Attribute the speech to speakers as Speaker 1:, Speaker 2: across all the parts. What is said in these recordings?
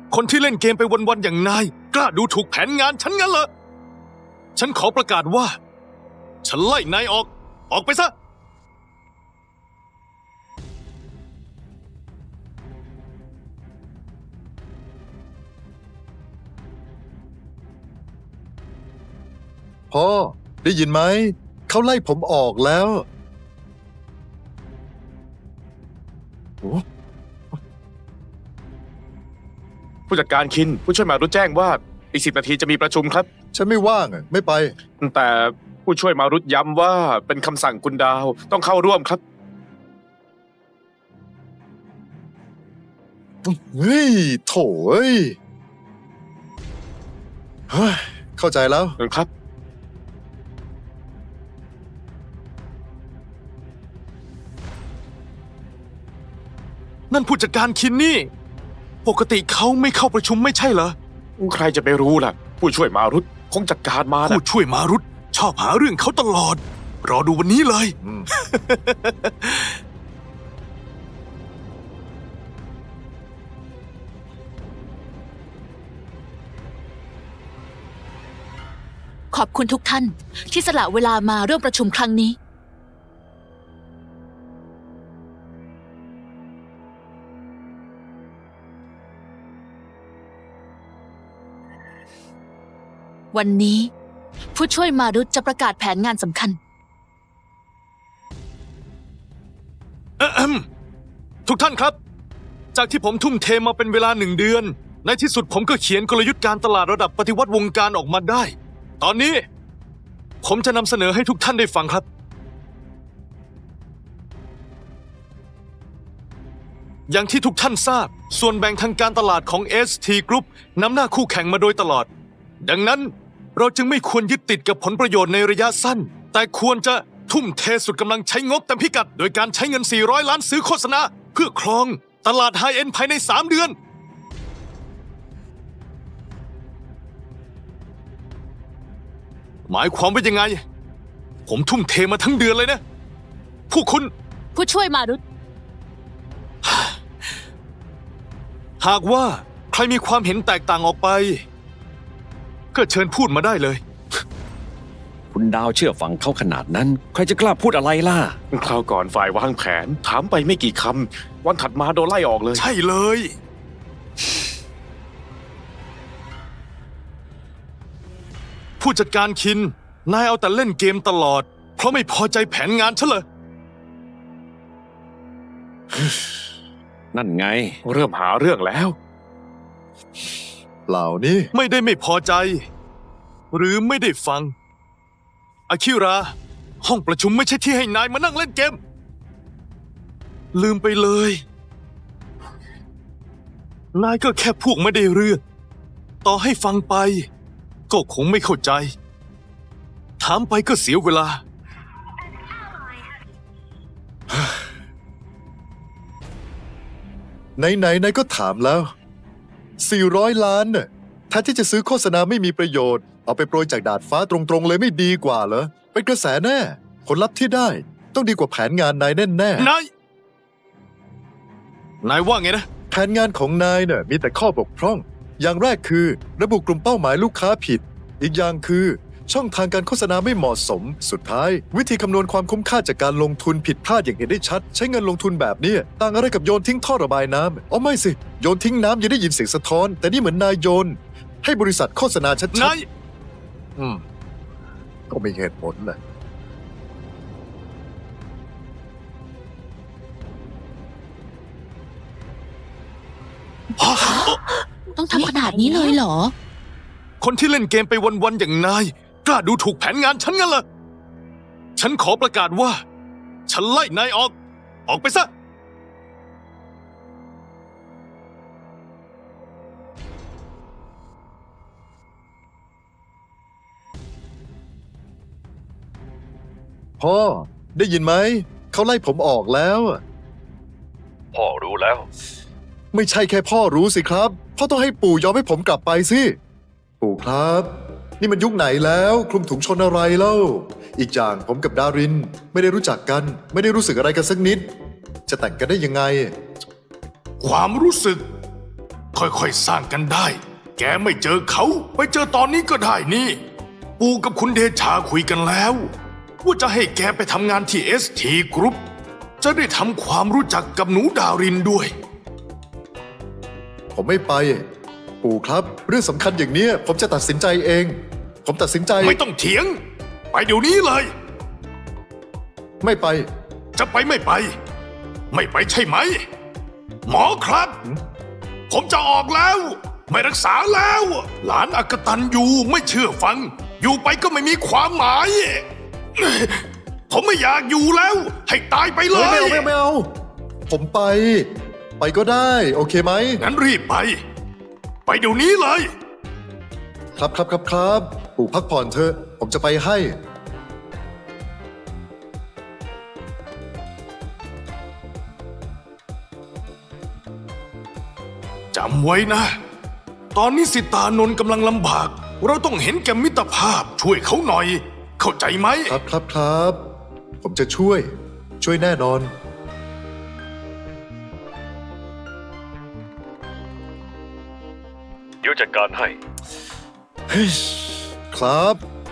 Speaker 1: คนที่เล่นเกมไปวันๆอย่างนายกล้าดูถูกแผนงานฉันงั้นเหรอฉันขอประกาศว่าฉันไล่นายออกไปซะ
Speaker 2: พ่อได้ยินไหมเขาไล่ผมออกแล้วโอ้
Speaker 3: ผู้จัดการคินผู้ช่วยมารุตแจ้งว่าอีก10 นาทีจะมีประชุมครับ
Speaker 2: ฉันไม่ว่างไม่ไป
Speaker 3: แต่ผู้ช่วยมารุตย้ำว่าเป็นคำสั่งคุณดาวต้องเข้าร่วมครับ
Speaker 2: เฮ้ยโถ่เอ้ยเฮ้ยเข้าใจแล้ว
Speaker 3: ครับ
Speaker 1: นั่นผู้จัดการคินนี่ปกติเขาไม่เข้าประชุมไม่ใช่เหรอ
Speaker 3: ใครจะไปรู้ล่ะ ผู้ช่วยมารุตคงจัดการมา
Speaker 1: ผู้
Speaker 3: นะ
Speaker 1: ช่วยมารุตชอบหาเรื่องเขาตลอดรอดูวันนี้เลย
Speaker 4: ขอบคุณทุกท่านที่สละเวลามาร่วมประชุมครั้งนี้ วันนี้ผู้ช่วยมารุตจะประกาศแผนงานสำคัญ
Speaker 1: ทุกท่านครับ จากที่ผมทุ่มเทมาเป็นเวลา1 เดือน ในที่สุดผมก็เขียนกลยุทธ์การตลาดระดับปฏิวัติวงการออกมาได้ ตอนนี้ผมจะนำเสนอให้ทุกท่านได้ฟังครับ อย่างที่ทุกท่านทราบส่วนแบ่งทางการตลาดของ ST Group นำหน้าคู่แข่งมาโดยตลอด ดังนั้นเราจึงไม่ควรยึดติดกับผลประโยชน์ในระยะสั้น แต่ควรจะทุ่มเทสุดกำลังใช้งบเต็มพิกัด โดยการใช้เงิน400 ล้านซื้อโฆษณาเพื่อครองตลาดไฮเอ็นด์ภายใน3 เดือน หมายความว่ายังไง ผมทุ่มเทมาทั้งเดือนเลยนะพวกคุณ
Speaker 4: ผู้ช่วยมารุต
Speaker 1: หากว่าใครมีความเห็นแตกต่างออกไป ก็เชิญพูดมาได้เลย
Speaker 5: คุณดาวเชื่อฟังเขาขนาดนั้น ใครจะกล้าพูดอะไรล่ะ
Speaker 3: คราวก่อนฝ่ายวางแผนถามไปไม่กี่คำวันถัดมาโดนไล่ออกเลย
Speaker 1: ใช่เลย ผู้จัดการคิน นายเอาแต่เล่นเกมตลอด เพราะไม่พอใจแผนงานฉันเลย
Speaker 5: นั่นไง
Speaker 3: เริ่มหาเรื่องแล้ว
Speaker 2: เหล่านี้
Speaker 1: ไม่ได้ไม่พอใจ หรือไม่ได้ฟัง อาคิระ ห้องประชุมไม่ใช่ที่ให้นายมานั่งเล่นเกม ลืมไปเลย นายก็แค่พวกไม่ได้เรื่อง ต่อให้ฟังไป ก็คงไม่เข้าใจ ถามไปก็เสียเวลา
Speaker 2: ไหนๆก็ถามแล้ว400 ล้านน่ะแทนที่จะซื้อโฆษณาไม่มีประโยชน์เอาไปโปรยจากดาดฟ้าตรงๆเลยไม่ดีกว่าเหรอเป็นกระแสแน่ผลลัพธ์ที่ได้ต้องดีกว่าแผนงานนายแน่
Speaker 1: นายว่าไงนะ
Speaker 2: ๆแผนงานของนายน่ะมีแต่ข้อบกพร่อง อย่างแรกคือระบุกลุ่มเป้าหมายลูกค้าผิด อีกอย่างคือช่องทางการโฆษณาไม่เหมาะสม สุดท้ายวิธีคำนวณความคุ้มค่าจากการลงทุนผิดพลาดอย่างเห็นได้ชัด ใช้เงินลงทุนแบบนี้ต่างอะไรกับโยนทิ้งท่อระบายน้ำอ๋อไม่สิโยนทิ้งน้ำยังได้ยินเสียงสะท้อน แต่นี่เหมือนนายโยน ให้บริษัทโฆษณาชัด
Speaker 1: นาย
Speaker 2: ๆก็มีเหตุผลแหละ
Speaker 4: ต้องทำขนาดนี้เลยเหรอ
Speaker 1: คนที่เล่นเกมไปวันๆอย่างนาย กล้าดูถูกแผนงานฉันงั้นเหรอ ฉันขอประกาศว่า ฉันไล่นายออกไปซะ
Speaker 2: พ่อได้ยินไหมเขาไล่ผมออกแล้ว
Speaker 5: พ่อรู้แล้ว
Speaker 2: ไม่ใช่แค่พ่อรู้สิครับพ่อต้องให้ปู่ยอมให้ผมกลับไปสิปู่ครับ นี่มันยุคไหนแล้วคลุมถุงชนอะไรเล่าอีกอย่างผมกับดารินไม่ได้รู้จักกัน ไม่ได้รู้สึกอะไรกันสักนิด จะแต่งกันได้ยังไง
Speaker 1: ความรู้สึกค่อยๆสร้างกันได้ แกไม่เจอเขาไปเจอตอนนี้ก็ได้นี่ ปู่กับคุณเดชาคุยกันแล้วว่าจะให้แกไปทำงานที่ ST Group จะได้ทำความรู้จักกับหนูดารินด้วย
Speaker 2: ผมไม่ไป ปู่ครับ เรื่องสำคัญอย่างเนี้ยผมจะตัดสินใจเอง ผมตัดสินใจ
Speaker 1: ไม่ต้องเถียง ไปเดี๋ยวนี้เลย
Speaker 2: ไม่ไป
Speaker 1: จะไปไม่ไป ไม่ไปใช่ไหม หมอครับ ผมจะออกแล้ว ไม่รักษาแล้ว หลานอกตันอยู่ไม่เชื่อฟัง อยู่ไปก็ไม่มีความหมาย ผมไม่อยากอยู่แล้ว ให้ตายไปเล
Speaker 2: ไม่
Speaker 1: ย
Speaker 2: เอาไม่เอา ผมไป ไปก็ได้ โอเคไหม
Speaker 1: งั้นรีบไป ไปเดี๋ยวนี้เลย
Speaker 2: ครับครับครับครับ ปู่พักผ่อนเถอะ ผมจะไปให้
Speaker 1: จำไว้นะ ตอนนี้สิตานนท์กำลังลำบาก เราต้องเห็นแก่มิตรภาพช่วยเขาหน่อย เข้าใจไหม
Speaker 2: ครับครับครับ ผมจะช่วย ช่วยแน่นอน
Speaker 5: เดี๋ยวจัดการให้
Speaker 2: ครับ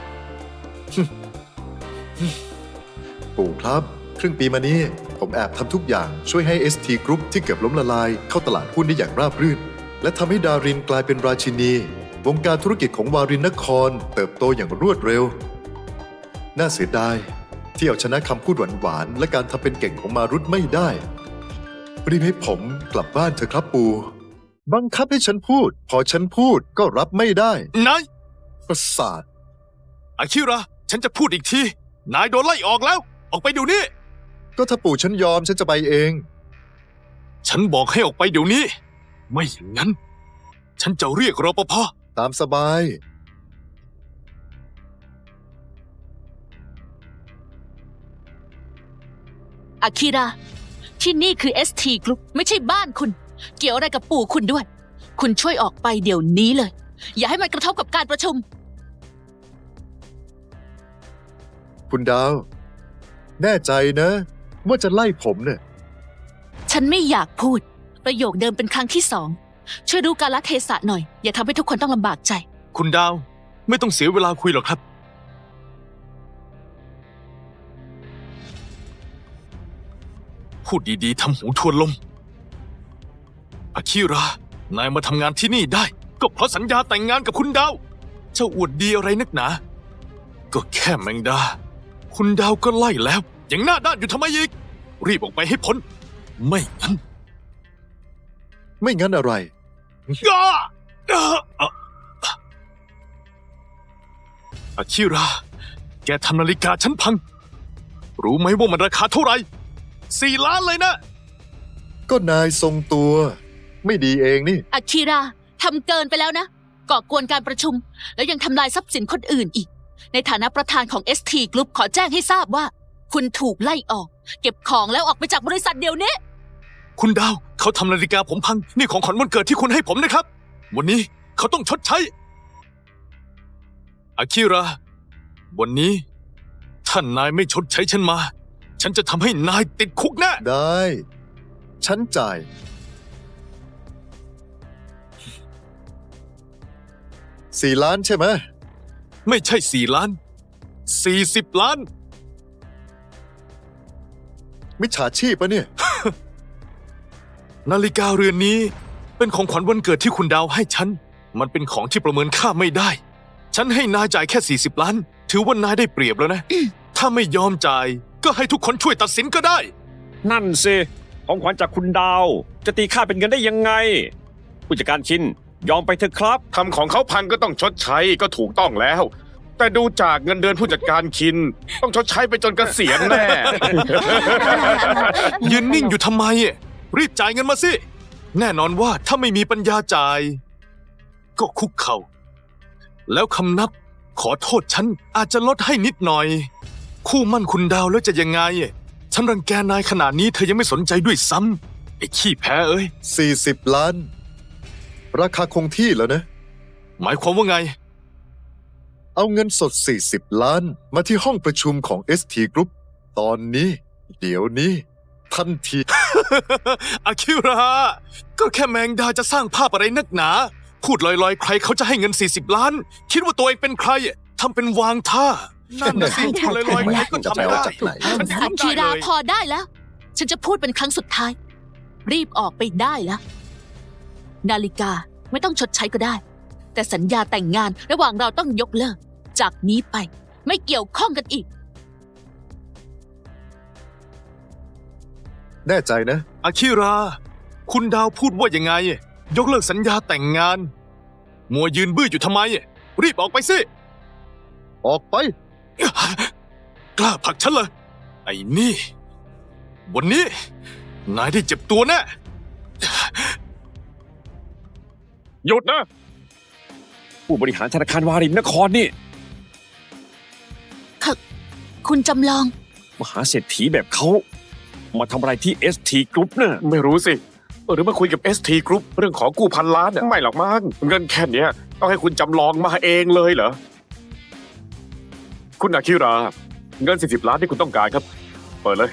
Speaker 2: ปู่ครับ ครึ่งปีมานี้ ผมแอบทำทุกอย่างช่วยให้ ST Group ที่เกือบล้มละลายเข้าตลาดหุ้นได้อย่างราบรื่น และทำให้ดารินกลายเป็นราชินี วงการธุรกิจของวารินนครเติบโตอย่างรวดเร็ว น่าเสียดายที่เอาชนะคำพูดหวานๆและการทำเป็นเก่งของมารุตไม่ได้รีบให้ผมกลับบ้านเถอะครับปู่บังคับให้ฉันพูด พอฉันพูดก็รับไม่ได้
Speaker 1: นาย
Speaker 2: ประสาท
Speaker 1: อาคิระ ฉันจะพูดอีกที นายโดนไล่ออกแล้ว ออกไปเดี๋ยวนี้
Speaker 2: ก็ถ้าปู่ฉันยอมฉันจะไปเอง
Speaker 1: ฉันบอกให้ออกไปเดี๋ยวนี้ ไม่อย่างนั้น ฉันจะเรียกรปภ.
Speaker 2: ตามสบาย
Speaker 4: อาคิระ ที่นี่คือ ST Group ไม่ใช่บ้านคุณ เกี่ยวอะไรกับปู่คุณด้วย คุณช่วยออกไปเดี๋ยวนี้เลย อย่าให้มันกระทบกับการประชุม
Speaker 2: คุณดาว แน่ใจนะว่าจะไล่ผมเนี่ย
Speaker 4: ฉันไม่อยากพูด ประโยคเดิมเป็นครั้งที่สอง ช่วยดูกาลเทศะหน่อย อย่าทำให้ทุกคนต้องลำบากใจ
Speaker 1: คุณดาว ไม่ต้องเสียเวลาคุยหรอกครับ พูดดีๆทำหูทวนลม อาคิระ นายมาทำงานที่นี่ได้ ก็เพราะสัญญาแต่งงานกับคุณดาว เจ้าอวดดีอะไรนักหนา ก็แค่แมงดา คุณดาวก็ไล่แล้ว ยังหน้าด้านอยู่ทำไมอีก รีบออกไปให้พ้น ไม่งั้น
Speaker 2: ไม่งั้นอะไร
Speaker 1: อาคิระ แกทำนาฬิกาฉันพัง รู้ไหมว่ามันราคาเท่าไหร่4 ล้านเลยนะ
Speaker 2: ก็นายทรงตัว ไม่ดีเองนี่
Speaker 4: อาคิระทำเกินไปแล้วนะ ก่อกวนการประชุม แล้วยังทำลายทรัพย์สินคนอื่นอีก ในฐานะประธานของ ST Group ขอแจ้งให้ทราบว่า คุณถูกไล่ออก เก็บของแล้วออกไปจากบริษัทเดี๋ยวนี้
Speaker 1: คุณดาวเขาทำนาฬิกาผมพัง นี่ของขวัญวันเกิดที่คุณให้ผมนะครับ วันนี้เขาต้องชดใช้ อาคิระ วันนี้ถ้านายไม่ชดใช้ฉันมา ฉันจะทำให้นายติดคุกแน่
Speaker 2: ได้ ฉันจ่าย 4 ล้านใช่ไหม
Speaker 1: ไม่ใช่4 ล้าน 40 ล้าน
Speaker 2: มิจฉาชีพปะเนี่ย
Speaker 1: นาฬิกาเรือนนี้เป็นของขวัญวันเกิดที่คุณดาวให้ฉัน มันเป็นของที่ประเมินค่าไม่ได้ ฉันให้นายจ่ายแค่40 ล้าน ถือว่านายได้เปรียบแล้วนะ ถ้าไม่ยอมจ่าย ก็ให้ทุกคนช่วยตัดสินก็ได้
Speaker 5: นั่นสิ ของขวัญจากคุณดาว จะตีค่าเป็นเงินได้ยังไง ผู้จัดการชิน ยอมไปเถอะครับ
Speaker 3: ทำของเขาพังก็ต้องชดใช้ก็ถูกต้องแล้ว แต่ดูจากเงินเดือนผู้จัดการคิน ต้องชดใช้ไปจนเกษียณแน่
Speaker 1: ยืนนิ่งอยู่ทำไม รีบจ่ายเงินมาสิ แน่นอนว่าถ้าไม่มีปัญญาจ่าย ก็คุกเข่า แล้วคำนับขอโทษฉันอาจจะลดให้นิดหน่อย คู่มั่นคุณดาวแล้วจะยังไง ฉันรังแกนายขนาดนี้เธอยังไม่สนใจด้วยซ้ำไอ้ขี้แพ้เอ้ย
Speaker 2: 40 ล้าน ราคาคงที่แล้วนะ
Speaker 1: หมายความว่าไง
Speaker 2: เอาเงินสด 40 ล้าน มาที่ห้องประชุมของ ST Group ตอนนี้ เดี๋ยวนี้ทันที
Speaker 1: อาคิระ ก็แค่แมงดาจะสร้างภาพอะไรนักหนา พูดลอยๆ ใครเขาจะให้เงิน 40 ล้าน คิดว่าตัวเองเป็นใครทำเป็นวางท่า นั่นน่ะสิพูดลอยๆ ใครก็ทำได้
Speaker 4: อาคิราพอได้แล้ว ฉันจะพูดเป็นครั้งสุดท้าย รีบออกไปได้แล้ว นาฬิกาไม่ต้องชดใช้ก็ได้ แต่สัญญาแต่งงานระหว่างเราต้องยกเลิก จากนี้ไปไม่เกี่ยวข้องกันอีก
Speaker 2: แน่ใจนะ
Speaker 1: อาคิรา คุณดาวพูดว่ายังไง ยกเลิกสัญญาแต่งงาน มัวยืนบื้ออยู่ทำไม รีบออกไปสิ
Speaker 2: ออกไป
Speaker 1: กล้าผลักฉันเลยไอ้นี่ วันนี้ นายได้เจ็บตัวแน่
Speaker 5: หยุดนะ ผู้บริหารธนาคารวารินนครนี่
Speaker 4: คุณจำลอง
Speaker 5: มหาเศรษฐีแบบเขามาทำอะไรที่ ST Group น่ะ
Speaker 3: ไม่รู้สิ หรือมาคุยกับ ST Group เรื่องของกู้พันล้านเนี่ยไม่หรอกมั้งเงินแค่เนี้ยต้องให้คุณจำลองมาเองเลยเหรอ คุณอาคิรา เงิน 40 ล้านที่คุณต้องการครับ เปิดเลย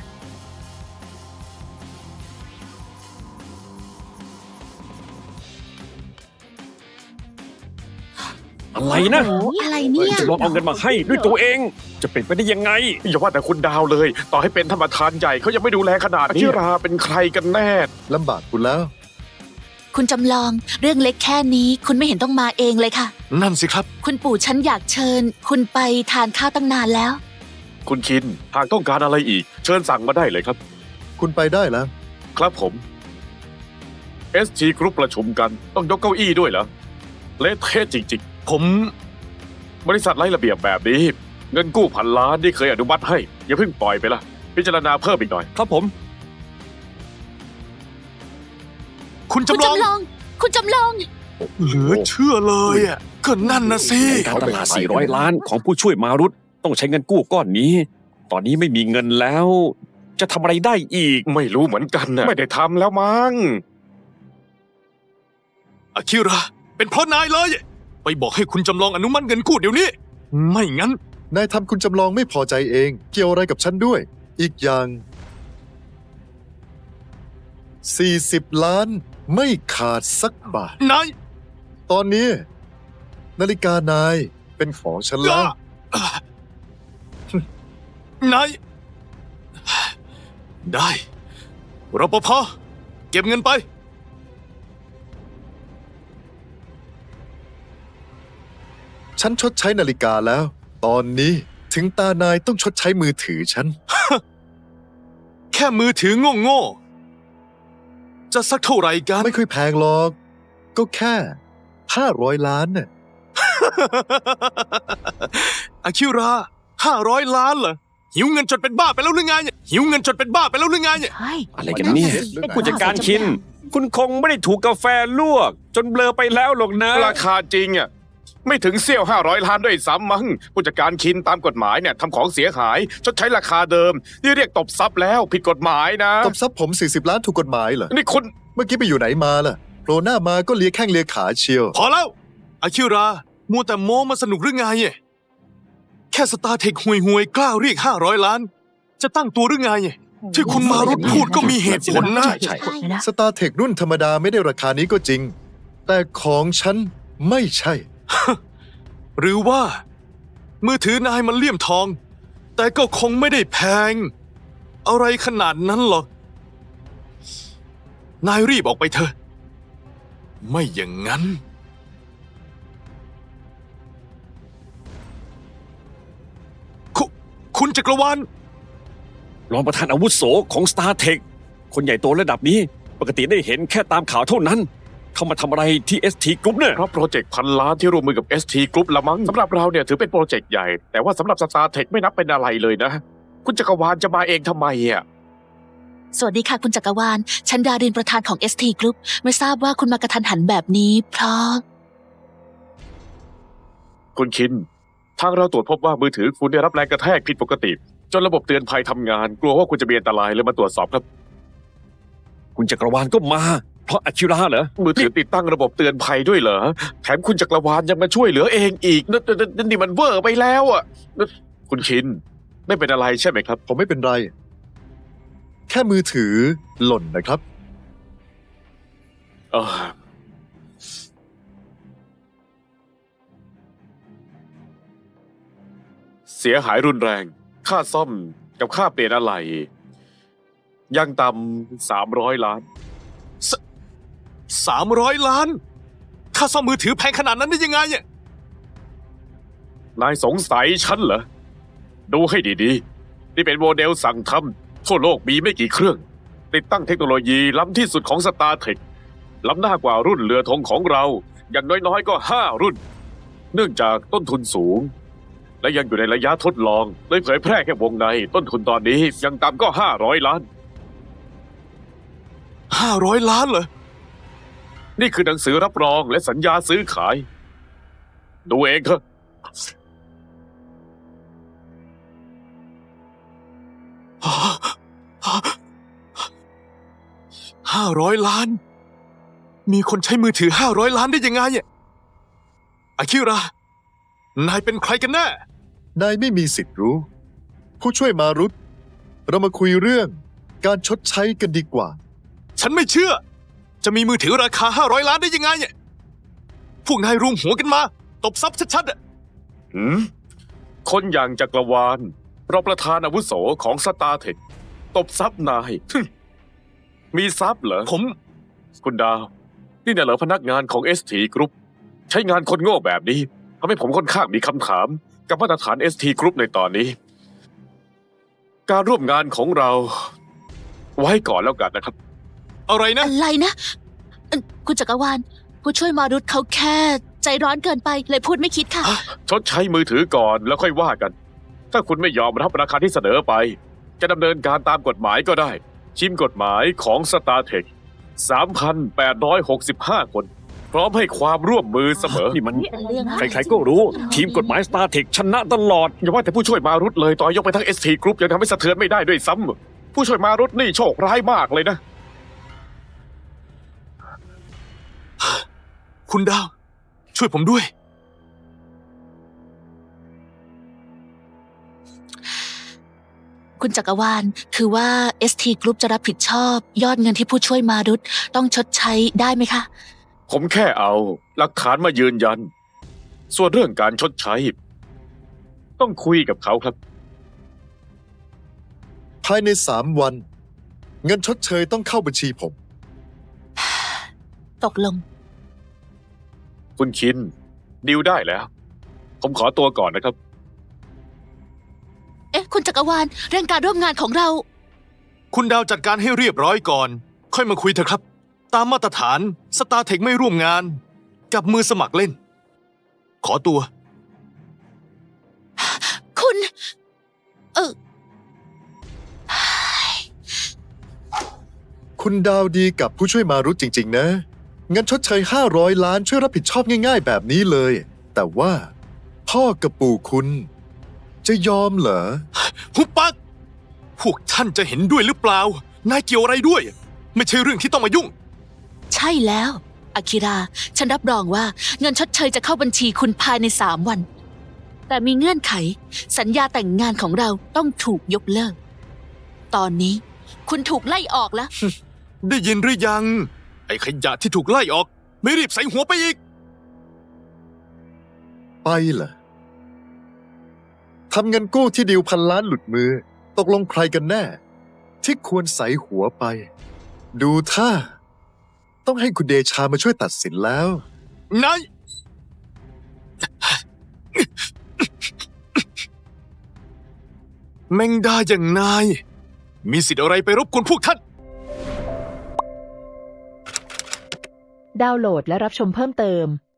Speaker 5: อะไรนะ
Speaker 4: อะไรเนี่ย
Speaker 5: จะลองเอาเงินมาให้ด้วยตัวเอง จะเป็นไปได้ยังไง
Speaker 3: อย่าว่าแต่คุณดาวเลย ต่อให้เป็นธรรมทานใหญ่เขายังไม่ดูแลขนาดนี้อาคิราเป็นใครกันแน่
Speaker 2: ลำบากคุณแล้ว
Speaker 4: คุณจำลอง เรื่องเล็กแค่นี้ คุณไม่เห็นต้องมาเองเลยค่ะ
Speaker 1: นั่นสิครับ
Speaker 4: คุณปู่ฉันอยากเชิญ คุณไปทานข้าวตั้งนานแล้ว
Speaker 3: คุณคิน หากต้องการอะไรอีก เชิญสั่งมาได้เลยครับ
Speaker 2: คุณไปได้แล้ว
Speaker 3: ครับผม ST Group ประชุมกัน ต้องยกเก้าอี้ด้วยเหรอ เละเทะจริงๆ ผม บริษัทไร้ระเบียบแบบนี้ เงินกู้พันล้านที่เคยอนุมัติให้ อย่าเพิ่งปล่อยไปละพิจารณาเพิ่มอีกหน่อย
Speaker 5: ครับผม
Speaker 1: คุณ
Speaker 4: คุณ
Speaker 1: จำลอง
Speaker 4: จำลอง คุณจำลอง
Speaker 1: เหลือเชื่อเลยก็นั่นนะสิ
Speaker 5: การตลาด 400 ล้านของผู้ช่วยมารุตต้องใช้เงินกู้ก้อนนี้ ตอนนี้ไม่มีเงินแล้ว จะทำอะไรได้อีก
Speaker 3: ไม่รู้เหมือนกันนะไม่ได้ทำแล้วมั้ง
Speaker 1: อาคิระ เป็นเพราะนายเลย ไปบอกให้คุณจำลองอนุมัติเงินกู้เดี๋ยวนี้ ไม่งั้น
Speaker 2: นายทำคุณจำลองไม่พอใจเอง เกี่ยวอะไรกับฉันด้วย อีกอย่าง 40 ล้านไม่ขาดสักบาท
Speaker 1: นาย
Speaker 2: ตอนนี้ นาฬิกานายเป็นของฉันแล้ว
Speaker 1: นาย ได้รปภเก็บเงินไป
Speaker 2: ฉันชดใช้นาฬิกาแล้ว ตอนนี้ถึงตานายต้องชดใช้มือถือฉัน
Speaker 1: แค่มือถือโง่ๆ จะสักเท่าไหร่กัน
Speaker 2: ไม่ค่อยแพงหรอก ก็แค่ 500 ล้านน่ะ
Speaker 1: อาคิระ500 ล้านเหรอ หิวเงินจนเป็นบ้าไปแล้วหรือไงหิวเงินจนเป็นบ้าไปแล้วหรือไง
Speaker 4: ใช่
Speaker 5: อะไรกันเนี่ย
Speaker 4: นั่นสิ
Speaker 5: ผู้จัดการคิน คุณคงไม่ได้ถูกกาแฟลวก จนเบลอไปแล้วหรอกนะ
Speaker 3: ราคาจริงอ่ะไม่ถึงเสี้ยว500 ล้านด้วยซ้ำมั้งผู้จัดการคินตามกฎหมายเนี่ยทำของเสียหายชดใช้ราคาเดิมนี่เรียกตบทรัพย์แล้วผิดกฎหมายนะ
Speaker 2: ตบทรัพย์ผม 40 ล้านถูกกฎหมายเหรอ
Speaker 3: นี่คุณ
Speaker 2: เมื่อกี้ไปอยู่ไหนมาล่ะโผล่หน้ามาก็เลียแข้งเลียขาเชียว
Speaker 1: พอแล้ว อาคิระ มัวแต่โม้มาสนุกหรือไง แค่สตาร์เทคห่วยๆ กล้าเรียก500 ล้าน จะตั้งตัวหรือไง ที่คุณมารุตพูดก็มีเหตุผลนะ
Speaker 5: ใช่
Speaker 2: สตาร์เทครุ่นธรรมดาไม่ได้ราคานี้ก็จริง แต่ของฉันไม่ใช่
Speaker 1: หรือว่า มือถือนายมันเลี่ยมทอง แต่ก็คงไม่ได้แพง อะไรขนาดนั้นหรอก นายรีบออกไปเถอะ ไม่อย่างนั้น คุณจักรวาล
Speaker 5: รองประธานอาวุโสของ StarTech คนใหญ่โตระดับนี้ ปกติได้เห็นแค่ตามข่าวเท่านั้น เขามาทำอะไรที่ ST Group เนี่ย
Speaker 3: เพราะโปรเจกต์พันล้านที่ร่วมมือกับ ST Group ละมั้งสำหรับเราเนี่ยถือเป็นโปรเจกต์ใหญ่ แต่ว่าสำหรับ StarTech ไม่นับเป็นอะไรเลยนะ คุณจักรวาลจะมาเองทำไมอ่ะ
Speaker 4: สวัสดีค่ะคุณจักรวาล ฉันดารินประธานของ ST Group ไม่ทราบว่าคุณมากระทันหันแบบนี้ เพราะ
Speaker 3: คุณคิน ทางเราตรวจพบว่ามือถือคุณได้รับแรงกระแทกผิดปกติ จนระบบเตือนภัยทำงาน กลัวว่าคุณจะมีอันตรายเลยมาตรวจสอบครับ
Speaker 5: คุณจักรวาลก็มา เพราะอาคิระเหรอ
Speaker 3: มือถือติดตั้งระบบเตือนภัยด้วยเหรอ แถมคุณจักรวาลยังมาช่วยเหลือเองอีกนี่มันเวอร์ไปแล้วอ่ะคุณคินไม่เป็นอะไรใช่ไหมครับ
Speaker 2: ผมไม่เป็นไรแค่มือถือหล่นนะครับ
Speaker 3: เออเสียหายรุนแรง ค่าซ่อมกับค่าเปลี่ยนอะไหล่ยังต่ำ300 ล้าน
Speaker 1: 300 ล้าน ค่าซ่อมมือถือแพงขนาดนั้นได้ยังไงเนี่ย
Speaker 3: นายสงสัยฉันเหรอ ดูให้ดีๆ นี่เป็นโมเดลสั่งทำทั่วโลกมีไม่กี่เครื่อง ติดตั้งเทคโนโลยีล้ำที่สุดของ StarTech ล้ำหน้ากว่ารุ่นเรือธงของเรา อย่างน้อยๆก็ 5 รุ่น เนื่องจากต้นทุนสูง และยังอยู่ในระยะทดลองเลยเผยแพร่แค่วงใน ต้นทุนตอนนี้ยังต่ำก็500 ล้าน
Speaker 1: 500 ล้านเหรอ
Speaker 3: นี่คือหนังสือรับรองและสัญญาซื้อขาย ดูเองเถอะ
Speaker 1: 500 ล้าน มีคนใช้มือถือ 500 ล้านได้ยังไงเนี่ยอาคิระ นายเป็นใครกันแน่
Speaker 2: นายไม่มีสิทธิ์รู้ ผู้ช่วยมารุตเรามาคุยเรื่องการชดใช้กันดีกว่า
Speaker 1: ฉันไม่เชื่อ จะมีมือถือราคา 500 ล้านได้ยังไงเนี่ยพวกนายรวมหัวกันมา ตบซับชัดๆอะ
Speaker 3: คนอย่างจักรวาลรองประธานอาวุโสของ StarTech ตบซับนาย มีทรัพย์เหรอ
Speaker 1: ผม
Speaker 3: คุณดาว นี่น่ะเหรอพนักงานของ ST Group ใช้งานคนโง่แบบนี้ทำให้ผมค่อนข้างมีคำถาม กับมาตรฐาน ST Group ในตอนนี้ การร่วมงานของเรา ไว้ก่อนแล้วกันนะครับ
Speaker 1: อะไรนะ
Speaker 4: อะไรนะคุณจักรวาลผู้ช่วยมารุตเขาแค่ใจร้อนเกินไปเลยพูดไม่คิดค่ะ
Speaker 3: ชดใช้มือถือก่อนแล้วค่อยว่ากัน ถ้าคุณไม่ยอมรับราคาที่เสนอไป จะดำเนินการตามกฎหมายก็ได้ ชิมกฎหมายของ StarTech 3,865 คน พร้อมให้ความร่วมมือเสมอ
Speaker 5: นี่มัน
Speaker 4: เป็นเรื่อง
Speaker 5: ใครๆก็รู้ ทีมกฎหมาย StarTech ชนะตลอด
Speaker 3: อย่าว่าแต่ผู้ช่วยมารุตเลยต่อยกไปทั้ง ST Group ยังทำให้สะเทือนไม่ได้ด้วยซ้ำผู้ช่วยมารุตนี่โชคร้ายมากเลยนะ
Speaker 1: คุณดาว ช่วยผมด้วย
Speaker 4: คุณจักรวาลคือว่า ST Group จะรับผิดชอบ ยอดเงินที่ผู้ช่วยมารุตต้องชดใช้ได้ไหมคะ
Speaker 3: ผมแค่เอาหลักฐานมายืนยัน ส่วนเรื่องการชดใช้ ต้องคุยกับเขาครับ
Speaker 2: ภายใน 3 วัน เงินชดเชยต้องเข้าบัญชีผม
Speaker 4: ตกลง
Speaker 3: คุณคินดิวได้แล้ว ผมขอตัวก่อนนะครับ
Speaker 4: เอ๊ะ คุณจักรวาลเรื่องการร่วมงานของเรา
Speaker 1: คุณดาวจัดการให้เรียบร้อยก่อน ค่อยมาคุยเถอะครับ ตามมาตรฐาน StarTech ไม่ร่วมงาน กับมือสมัครเล่น ขอตัว
Speaker 4: คุณ
Speaker 2: คุณดาวดีกับผู้ช่วยมารุตจริง ๆ นะ เงินชดเชย500 ล้านช่วยรับผิดชอบง่าย ๆ แบบนี้เลย แต่ว่าพ่อกับปู่คุณ จะยอมเหรอ
Speaker 1: หุบปัก พวกท่านจะเห็นด้วยหรือเปล่า นายเกี่ยวอะไรด้วย ไม่ใช่เรื่องที่ต้องมายุ่ง
Speaker 4: ใช่แล้วอากิระ ฉันรับรองว่าเงินชดเชยจะเข้าบัญชีคุณภายใน3 วัน แต่มีเงื่อนไข สัญญาแต่งงานของเราต้องถูกยกเลิก ตอนนี้คุณถูกไล่ออกแล้ว
Speaker 1: ได้ยินหรือยัง ไอ้ขยะที่ถูกไล่ออก ไม่รีบใส่หัวไปอีก
Speaker 2: ไปเหรอทำเงินกู้ที่ดิว1,000 ล้านหลุดมือ ตกลงใครกันแน่ ที่ควรใส่หัวไป ดูท่า ต้องให้คุณเดชามาช่วยตัดสินแล้ว
Speaker 1: นาย แมงดาอย่างนาย มีสิทธิ์อะไรไปรบกวนพวกท่าน
Speaker 6: ดาวน์โหลดและรับชมเพิ่มเติม